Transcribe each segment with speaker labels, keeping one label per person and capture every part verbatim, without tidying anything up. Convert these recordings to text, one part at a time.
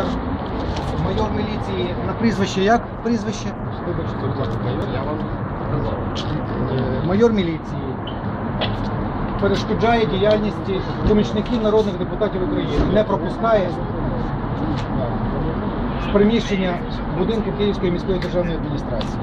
Speaker 1: майор, майор міліції на прізвище як? Прізвище? Вибачте, будь ласка.
Speaker 2: Я вам казав.
Speaker 1: Е, Майор міліції перешкоджає діяльності помічників народних депутатів України, не пропускає з приміщення будинку Київської міської державної адміністрації.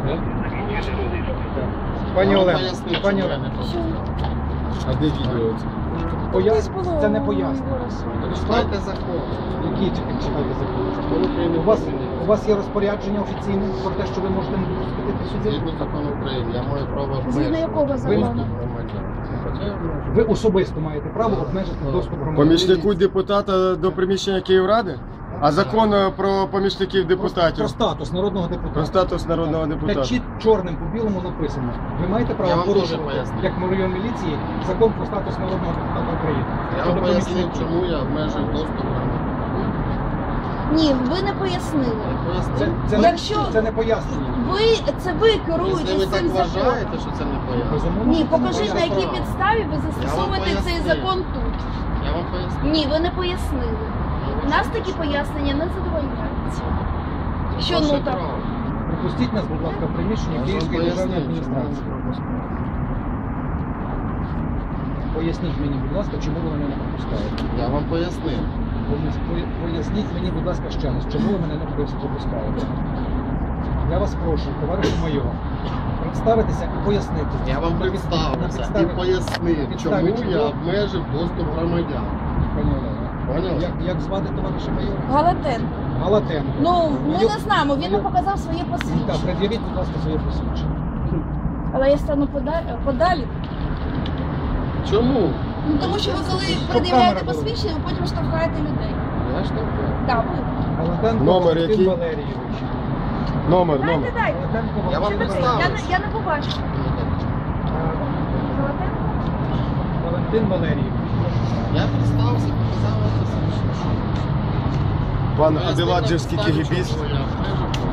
Speaker 1: Пані Олена, пані Олена,
Speaker 2: а де відео?
Speaker 1: пояс... це не пояснення.
Speaker 2: Читайте закон.
Speaker 1: Які читайте закон? У вас, у вас є розпорядження офіційне про те, що ви можете не допустити сюди?
Speaker 2: Згідно закону України, я маю право
Speaker 3: Згідно якого закону?
Speaker 1: Ви особисто маєте право обмежити доступ громадян.
Speaker 4: Помічнику депутата до приміщення Київради? А закон про помічників
Speaker 1: Про
Speaker 4: депутатів?
Speaker 1: статус народного депутата.
Speaker 4: Про статус народного
Speaker 1: Де
Speaker 4: депутата.
Speaker 1: чіт чорним по білому написано. Ви маєте
Speaker 2: Я
Speaker 1: право
Speaker 2: вам
Speaker 1: порушувати,
Speaker 2: дуже поясню.
Speaker 1: як майор міліції, закон про статус народного депутата України.
Speaker 2: Я
Speaker 1: Щодо
Speaker 2: вам поясню,
Speaker 1: помічників.
Speaker 2: чому я обмежив доступ громадян.
Speaker 3: Ні, ви не пояснили.
Speaker 1: Це, це,
Speaker 3: Якщо-
Speaker 1: не, це не пояснення.
Speaker 3: Ви це ви
Speaker 2: Якщо
Speaker 3: керуєте
Speaker 2: ви
Speaker 3: цим
Speaker 2: так
Speaker 3: законом.
Speaker 2: вважаєте, що це не поясню,
Speaker 1: Безумовно,
Speaker 3: Ні,
Speaker 1: це не
Speaker 3: покажіть, на
Speaker 1: пояснення.
Speaker 3: якій підставі ви застосовуєте цей
Speaker 2: пояснив.
Speaker 3: закон тут.
Speaker 2: я вам поясню.
Speaker 3: Ні, ви не пояснили. Нас такі пояснення не задовольняють. Що
Speaker 2: Ваше
Speaker 3: ну так?
Speaker 2: право.
Speaker 1: Пропустіть нас, будь ласка, в приміщення
Speaker 2: Я ж вам
Speaker 1: Київської державної
Speaker 2: пояснив, чому
Speaker 1: адміністрації.
Speaker 2: не пропускаю.
Speaker 1: Поясніть мені, будь ласка, чому ви мене не пропускаєте.
Speaker 2: Я вам пояснив.
Speaker 1: Пояс- Поясніть мені, будь ласка, ще раз, чому ви мене не пропускаєте. Я вас прошу, товаришу майор, представитися і пояснити.
Speaker 2: Я вам
Speaker 1: На підставі- на
Speaker 2: представився і
Speaker 1: підставі-
Speaker 2: пояснив,
Speaker 1: підставі
Speaker 2: чому я
Speaker 1: чого?
Speaker 2: обмежив доступ громадян.
Speaker 1: Пані Олена,
Speaker 2: Поняли?
Speaker 1: Як, як звати товариша майора?
Speaker 3: Галатенко.
Speaker 1: Галатенко.
Speaker 3: Ну, ми
Speaker 1: Майор-
Speaker 3: не знаємо, він не
Speaker 1: майор-
Speaker 3: показав своє
Speaker 1: Так,
Speaker 3: посвідчення.
Speaker 1: пред'явіть, будь ласка, своє посвідчення.
Speaker 3: Але я стану подалі, подалі.
Speaker 2: Чому?
Speaker 3: Ну, тому що ви коли
Speaker 1: Щоб
Speaker 3: пред'являєте
Speaker 1: камера була.
Speaker 3: посвідчення, ви потім штовхаєте людей.
Speaker 2: Я ж так.
Speaker 3: Так, ви.
Speaker 1: Галатенко
Speaker 4: Номер
Speaker 1: Валентин
Speaker 4: який?
Speaker 1: Валерійович.
Speaker 4: Номер,
Speaker 3: Дайте,
Speaker 4: номер.
Speaker 3: дайте.
Speaker 1: Галатенко
Speaker 2: Я вам
Speaker 3: Що
Speaker 1: Валентин
Speaker 3: таке? Я,
Speaker 1: Валерійович.
Speaker 3: не- я не побачила. Галатенко?
Speaker 1: Валентин Валерійович.
Speaker 2: Я представився, показав вам посвідчення.
Speaker 4: Пан
Speaker 2: Пояснив,
Speaker 4: Аделаджевський
Speaker 2: на підставі
Speaker 4: кігібіст.
Speaker 2: чого я обмежив доступ.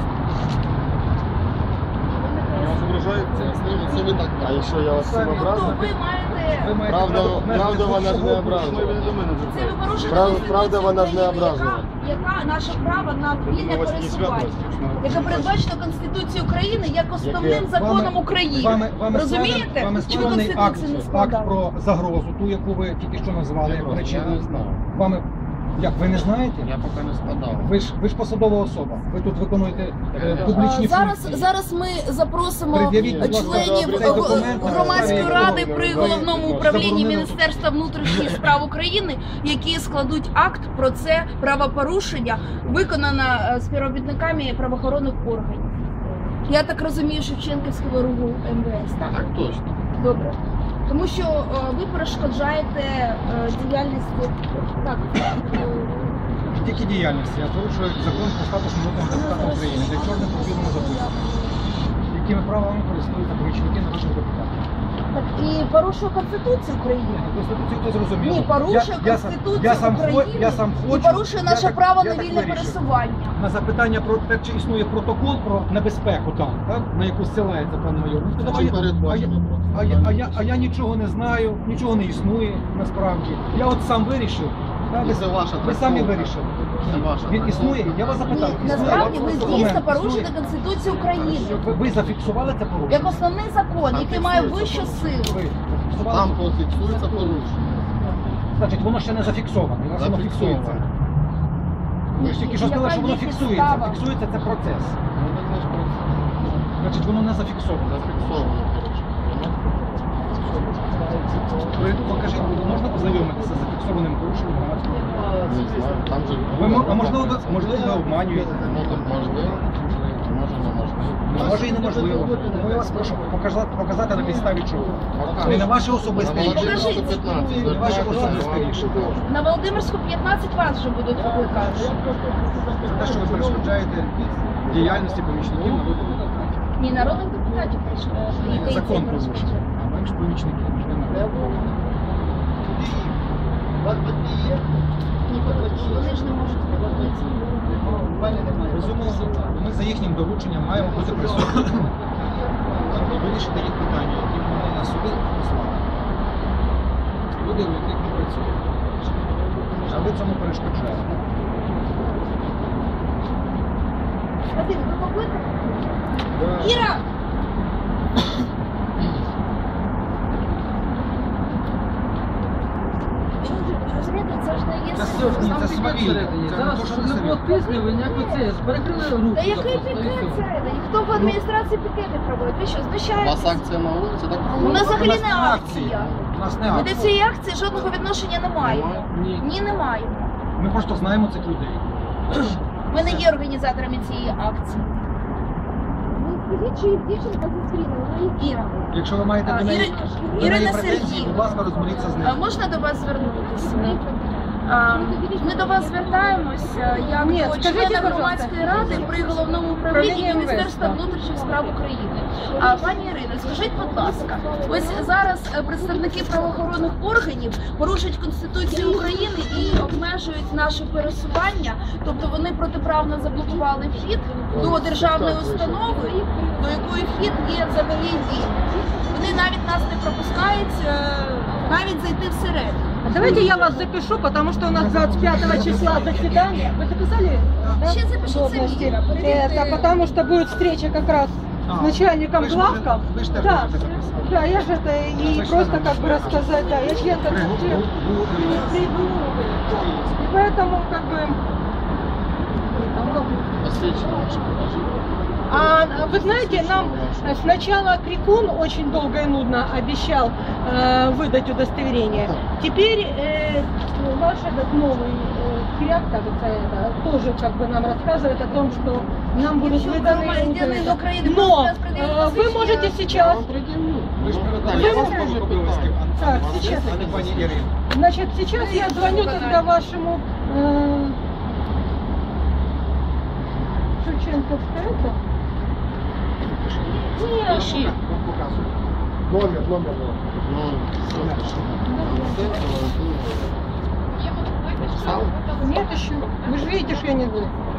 Speaker 2: Пояснив, це ви так
Speaker 4: А якщо я вас цим
Speaker 3: Ну,
Speaker 4: образив?
Speaker 3: то ви маєте...
Speaker 1: Ви маєте
Speaker 4: Правда,
Speaker 1: право обмежити
Speaker 4: правда вона ж не
Speaker 1: свободу.
Speaker 4: образила.
Speaker 3: Це ви порушуєте
Speaker 4: Прав-
Speaker 3: Конституцію
Speaker 4: правда, вона ж не
Speaker 3: України,
Speaker 4: образила.
Speaker 3: Яка, яка наше право на вільне пересування, яке передбачено Конституцією України як основним
Speaker 4: Яке?
Speaker 3: законом
Speaker 1: Вами-
Speaker 3: України.
Speaker 1: Вами, вами
Speaker 3: Розумієте?
Speaker 1: складен- Вами
Speaker 3: Чому
Speaker 1: складений акт,
Speaker 3: Конституцію не
Speaker 1: акт
Speaker 3: складали?
Speaker 1: про загрозу, ту, яку ви тільки що назвали, як
Speaker 2: Я
Speaker 1: причину.
Speaker 2: не знаю.
Speaker 1: Вами, як, ви не знаєте?
Speaker 2: Я поки не складав.
Speaker 1: Ви ж, ви ж посадова особа. Ви тут виконуєте е,
Speaker 2: А,
Speaker 1: публічні
Speaker 3: А, Зараз,
Speaker 1: функції.
Speaker 3: зараз ми запросимо
Speaker 1: Пред'явіть, будь ласка,
Speaker 3: членів
Speaker 1: цей документ на
Speaker 3: громадської
Speaker 1: підставі
Speaker 3: ради
Speaker 1: якого
Speaker 3: при
Speaker 1: ви
Speaker 3: головному управлінні
Speaker 1: заборонено-
Speaker 3: Міністерства внутрішніх справ України, які складуть акт про це правопорушення, виконане е, співробітниками правоохоронних органів. Я так розумію, Шевченківського РУГУ ем ве ес, так?
Speaker 2: Так точно.
Speaker 3: Добре. Тому що е, ви перешкоджаєте е, діяльності. Так. е,
Speaker 1: Тільки діяльності, а порушують закон про статус народного депутата України, де чорним по білому записано. Якими правами користуються помічники народних депутатів?
Speaker 3: Так і порушує Конституцію України.
Speaker 1: Конституцію хто зрозумів?
Speaker 3: Ні, порушує
Speaker 1: Я- я сам-
Speaker 3: Конституцію
Speaker 1: я сам хо-
Speaker 3: України
Speaker 1: я сам
Speaker 3: і
Speaker 1: хочу,
Speaker 3: порушує
Speaker 1: я
Speaker 3: наше
Speaker 1: так-
Speaker 3: право
Speaker 1: я
Speaker 3: на
Speaker 1: так
Speaker 3: вільне
Speaker 1: вирішив.
Speaker 3: пересування.
Speaker 1: На запитання про те, чи існує протокол про небезпеку там, так, на яку зсилається пан майор. Ну,
Speaker 2: А
Speaker 1: а,
Speaker 2: чим
Speaker 1: я, а, я,
Speaker 2: передбачено
Speaker 1: а, я, а, я, а я нічого не знаю, нічого не існує насправді. Я от сам вирішив. Так,
Speaker 2: І
Speaker 1: ви,
Speaker 2: це ваша
Speaker 1: ви самі
Speaker 2: трактовка.
Speaker 1: вирішили.
Speaker 2: Це ваша
Speaker 1: Він
Speaker 2: трактовка.
Speaker 1: існує, я вас запитав.
Speaker 3: Ні,
Speaker 1: існує?
Speaker 3: насправді ви
Speaker 1: Документ
Speaker 3: дійсно
Speaker 1: існує?
Speaker 3: порушуєте Конституцію України
Speaker 1: Ви, ви зафіксували це порушення?
Speaker 3: як основний закон,
Speaker 2: Там
Speaker 3: який має
Speaker 2: фіксується
Speaker 3: вищу
Speaker 2: порушення.
Speaker 3: силу.
Speaker 1: Ви зафіксували?
Speaker 2: Там пофіксується порушення.
Speaker 1: Значить, воно ще не зафіксоване, воно
Speaker 2: Зафіксовано.
Speaker 1: фіксується. Ви ж тільки що
Speaker 3: Яка
Speaker 1: сказали, що воно
Speaker 3: є
Speaker 1: фіксується.
Speaker 3: підстава?
Speaker 1: Фіксується це процес.
Speaker 2: Ну, так не ж просто.
Speaker 1: Значить, воно не зафіксоване.
Speaker 2: Зафіксовано порушення.
Speaker 1: Ви покажіть, можна познайомитися з зафіксованим порушенням громадського?
Speaker 2: Не знаю, там же...
Speaker 1: Ви, мо- а можливо, ви, можливо, ви обманюєте?
Speaker 2: Ну, так можливо, може неможливо.
Speaker 1: Ну, може і неможливо. Тому я вас прошу показати, показати на підставі чого. Не на ваше особисте
Speaker 2: На
Speaker 1: рішення.
Speaker 2: Володимирську п'ятнадцять.
Speaker 1: Не на ваше особисте рішення.
Speaker 3: На Володимирську п'ятнадцять вас вже будуть викликати.
Speaker 1: За те, що ви перешкоджаєте діяльності помічників народних депутатів.
Speaker 3: Ні, народних депутатів прийшли.
Speaker 1: Закон порушує. А ми ж помічники.
Speaker 3: Вони ж не можуть виконувати.
Speaker 1: Безумовно, ми за їхнім дорученням маємо бути присутні і вирішити їх питання, які вони на суди послали. Люди, у яких ми працюємо. А ви цьому перешкоджаєте.
Speaker 3: Вадим, ви покликали?
Speaker 4: Да.
Speaker 3: Іра! Розумієте, це ж не є
Speaker 1: Це
Speaker 3: сила.
Speaker 1: сьогодні, це свавілля. Це не
Speaker 2: Зараз,
Speaker 1: то, що
Speaker 2: щоб
Speaker 1: це
Speaker 2: не було
Speaker 1: свавілля.
Speaker 2: тиску, ви ніяко це, перекрили руку.
Speaker 3: Та який
Speaker 2: просто, і
Speaker 3: пікет
Speaker 2: все.
Speaker 3: це? І хто в адміністрації пікети проводить? Ви що,
Speaker 5: У вас
Speaker 3: знущаєтесь?
Speaker 5: акція на вулиці, так?
Speaker 3: У нас взагалі
Speaker 1: У нас
Speaker 3: не
Speaker 1: акції.
Speaker 3: акція.
Speaker 1: У нас не
Speaker 3: Ми до
Speaker 1: акція.
Speaker 3: цієї акції жодного відношення не маємо.
Speaker 2: Ні.
Speaker 3: Ні, не маємо.
Speaker 1: Ми просто знаємо цих людей.
Speaker 3: Ми не є організаторами цієї акції.
Speaker 6: Ну, скажіть, чи дівчинка зустріла? Вона їх
Speaker 3: Іра.
Speaker 1: Якщо ви маєте
Speaker 3: А,
Speaker 1: до неї,
Speaker 3: Іри-
Speaker 1: до неї
Speaker 3: Ірина
Speaker 1: претензії,
Speaker 3: Сергіївна.
Speaker 1: будь ласка, розберіться з
Speaker 3: А
Speaker 1: ним.
Speaker 3: можна до вас звернутися? А, Ми до вас звертаємося як
Speaker 6: Ні,
Speaker 3: до
Speaker 6: скажіть,
Speaker 3: члена
Speaker 6: пожалуйста.
Speaker 3: громадської ради при головному управлінні
Speaker 6: Управління
Speaker 3: Міністерства
Speaker 6: МВС, так.
Speaker 3: внутрішніх справ України. А пані Ірино, скажіть, будь ласка, ось зараз е, представники правоохоронних органів порушують Конституцію України і обмежують наше пересування, тобто вони протиправно заблокували вхід до державної установи, до якої вхід є взагалі дієм. Вони навіть нас не пропускають е, навіть зайти всередину.
Speaker 6: Давайте я вас запишу, потому что у нас двадцать пятого числа заседание. Вы записали? Да?
Speaker 3: Ще запишіть
Speaker 6: Удобности.
Speaker 3: самі.
Speaker 6: Это потому что будет встреча как раз
Speaker 1: А,
Speaker 6: с начальником
Speaker 1: ви ж
Speaker 6: главков.
Speaker 1: можете- ви ж теж
Speaker 6: Да,
Speaker 1: можете записати.
Speaker 6: да, я же это и
Speaker 1: Вы ж
Speaker 6: просто
Speaker 1: членом
Speaker 6: как бы
Speaker 1: МВС,
Speaker 6: рассказать, да, я член
Speaker 1: При-
Speaker 6: Конституции.
Speaker 1: бу- бу-
Speaker 6: И поэтому как бы...
Speaker 5: Посвідчення ваше покажіть.
Speaker 6: А вы знаете, нам сначала Крикун очень долго и нудно обещал э, выдать удостоверение. Теперь э, ваш этот новый э, Киряк, кажется, это, тоже как бы нам рассказывает о том, что нам будут выданы
Speaker 3: громадянин
Speaker 6: удостоверения.
Speaker 3: України
Speaker 6: Но
Speaker 3: може пред'явити
Speaker 6: э, вы
Speaker 3: посвідчення.
Speaker 6: можете сейчас,
Speaker 1: Ви ж привертали,
Speaker 6: Ви
Speaker 1: я вас
Speaker 6: можете-
Speaker 1: можу обов'язків, а
Speaker 6: Так,
Speaker 1: не
Speaker 6: сейчас.
Speaker 1: а не пані Ірина.
Speaker 6: значит, сейчас я звоню тогда вашему э, Шевченковская, это? Нет,
Speaker 5: Пишіть.
Speaker 1: Показую.
Speaker 4: Номер, номер.
Speaker 5: Ну, все, пишіть. Все,
Speaker 6: нет еще. Вы же видите, что я не знаю.